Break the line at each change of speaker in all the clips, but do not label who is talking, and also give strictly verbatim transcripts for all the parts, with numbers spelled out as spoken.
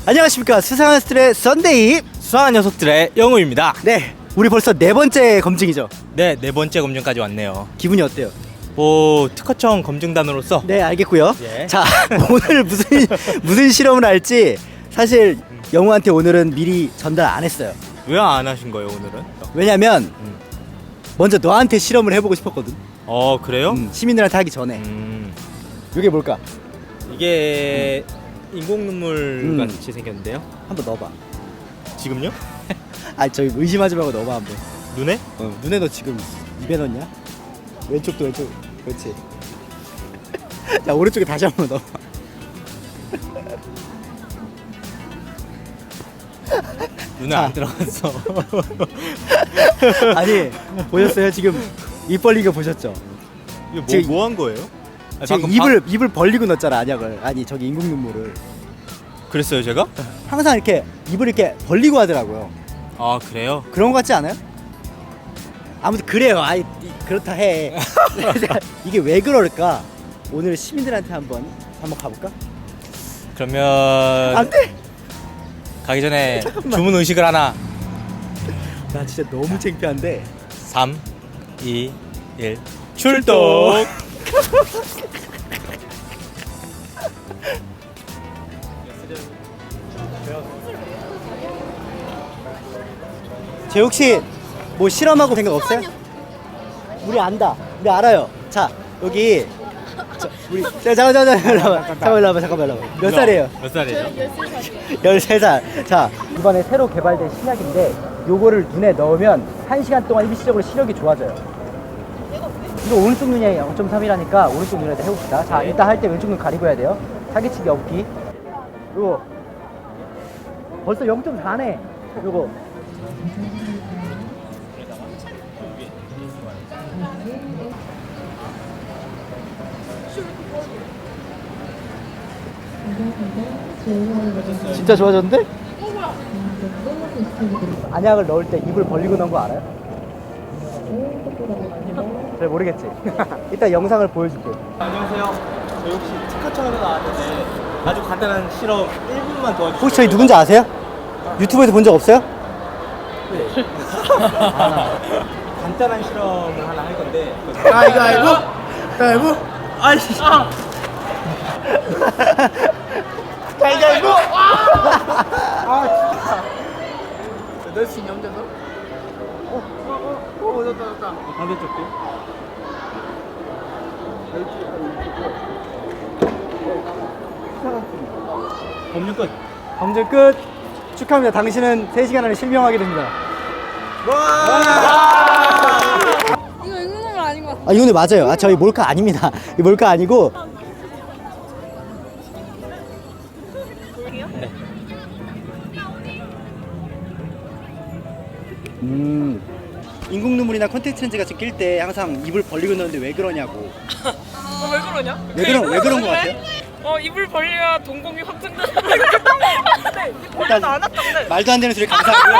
안녕하십니까. 수상한 녀석들의 썬데이.
수상한 녀석들의 영우입니다.
네, 우리 벌써 네 번째 검증이죠.
네, 네 번째 검증까지 왔네요.
기분이 어때요?
뭐 특허청 검증단으로서
네, 알겠고요.
예.
자, 오늘 무슨 무슨 실험을 할지 사실 영우한테 오늘은 미리 전달 안 했어요.
왜 안 하신 거예요 오늘은?
왜냐면
음.
먼저 너한테 실험을 해보고 싶었거든.
어 그래요?
음, 시민들한테 하기 전에.
음,
이게 뭘까?
이게 인공 눈물
음.
같이 생겼는데요.
한번 넣어봐.
지금요?
아, 저기 의심하지 말고 넣어봐 한번.
눈에?
어, 눈에 너 지금 입에 넣냐? 왼쪽도 왼쪽. 그렇지. 자, 오른쪽에 다시 한번 넣어봐.
눈에
자.
안 들어갔어.
아니, 보셨어요? 지금 입 벌린 거 보셨죠?
이거 뭐,
지금-
뭐 한 거예요? 아,
지금
방금
입을 입을 벌리고 넣었잖아, 안약을. 아니, 저기 인공 눈물을.
바... 그랬어요 제가?
항상 이렇게 입을 이렇게 벌리고 하더라고요.
아 그래요?
그런 거 같지 않아요? 아무튼 그래요. 아이, 이- 그렇다 해. 이게 왜 그럴까? 오늘 시민들한테 한번 한번 가볼까?
그러면
안 돼.
가기 전에
잠깐만.
주문 의식을 하나.
나 진짜 너무 창피한데.
삼, 이, 일 출동.
제 혹시 뭐 실험하고 생각 없어요? 우리 안다. 우리 알아요. 자, 여기 자, 우리 자, 잠깐 잠깐 잠깐 일로 와봐. 잠깐 일로 와봐. 잠깐만 일로 와봐. 몇 살이에요?
몇 살이에요?
열세 살. 자, 이번에 새로 개발된 신약인데 요거를 눈에 넣으면 한 시간 동안 일시적으로 시력이 좋아져요. 이거 오른쪽 눈이 영 점 삼이라니까 오른쪽 눈에다 해봅시다. 자, 일단 할 때 왼쪽 눈 가리고 해야 돼요. 사기치기 없기. 요거 벌써 영 점 사네. 요거 진짜 좋아졌는데? 안약을 넣을 때 입을 벌리고 넣은 거 알아요? 잘 모르겠지? 이따 영상을 보여줄게.
안녕하세요. 저희 혹시 특허청에서 나왔는데 아주 간단한 실험 일 분만 도와주세요.
혹시 저희 누군지 아세요? 유튜브에서 본 적 없어요?
네. 간단한 실험을 하나 할 건데.
아이고 아이고 아이고
아이씨.
아이고
넣을 수 있냐 혼자서? 어, 어, 어, 어, 됐다, 됐다.
반대쪽도. 검증 끝.
검증 끝. 축하합니다. 당신은 세 시간 안에 실명하게 됩니다.
이거 인공눈물 아닌 것 같아.
아, 이거는 맞아요. 아, 저희 몰카 아닙니다. 이 몰카 아니고. 음. 인공 눈물이나 컨택트 렌즈 같이 낄 때 항상 입을 벌리고 넣는데 왜 그러냐고.
어, 왜 그러냐?
왜 그런 왜 그런 거 같아요?
어, 입을 벌려야 동공이 확장되는 거 근데
일단
안 왔던데.
말도 안 되는 소리 감사하고요.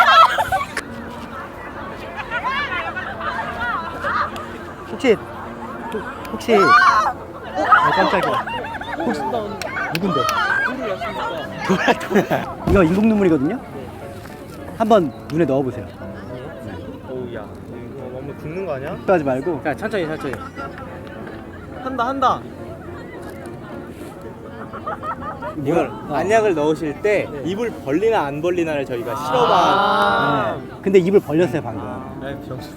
혹시 혹- 혹시 아, 깜짝이야. 혹시 누군데? 도라 도라. 이거 인공 눈물이거든요. 한번 눈에 넣어 보세요.
어우 야, 이거 너무 죽는 거 아니야?
하지 말고.
야 천천히 천천히. 한다 한다. 이걸
어.
안약을 넣으실 때 입을 벌리나 안 벌리나를 저희가 실험한.
네. 근데 입을 벌렸어요 방금.
아, 병신.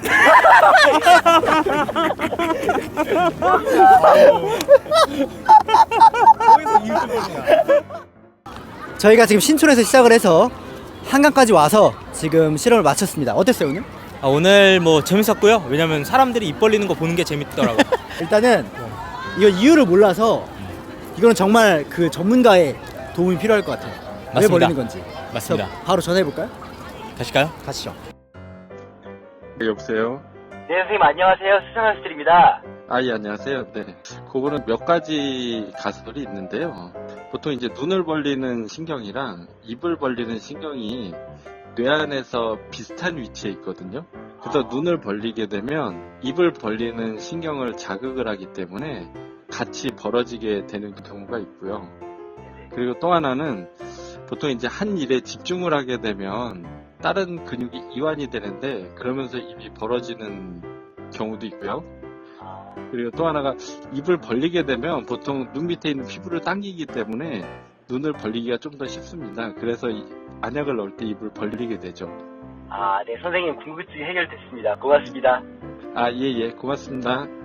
거기서 입을 벌리냐?
저희가 지금 신촌에서 시작을 해서 한강까지 와서 지금 실험을 마쳤습니다. 어땠어요 오늘?
아, 오늘 뭐 재밌었고요. 왜냐면 사람들이 입 벌리는 거 보는 게 재밌더라고.
일단은 이거 이유를 몰라서 이거는 정말 그 전문가의 도움이 필요할 것 같아요. 왜
맞습니다.
벌리는 건지.
맞습니다.
그래서 바로 전화해 볼까요?
가실까요?
가시죠.
네, 여보세요?
네, 선생님 안녕하세요. 수상한 스트입니다.
아, 예, 안녕하세요. 네. 그거는 몇 가지 가설이 있는데요. 보통 이제 눈을 벌리는 신경이랑 입을 벌리는 신경이 뇌 안에서 비슷한 위치에 있거든요. 그래서 눈을 벌리게 되면 입을 벌리는 신경을 자극을 하기 때문에 같이 벌어지게 되는 경우가 있고요. 그리고 또 하나는 보통 이제 한 일에 집중을 하게 되면 다른 근육이 이완이 되는데 그러면서 입이 벌어지는 경우도 있고요. 그리고 또 하나가 입을 벌리게 되면 보통 눈 밑에 있는 피부를 당기기 때문에 눈을 벌리기가 좀 더 쉽습니다. 그래서 이 안약을 넣을 때 입을 벌리게 되죠.
아, 네, 선생님 궁금증이 해결됐습니다. 고맙습니다.
아, 예, 예, 고맙습니다.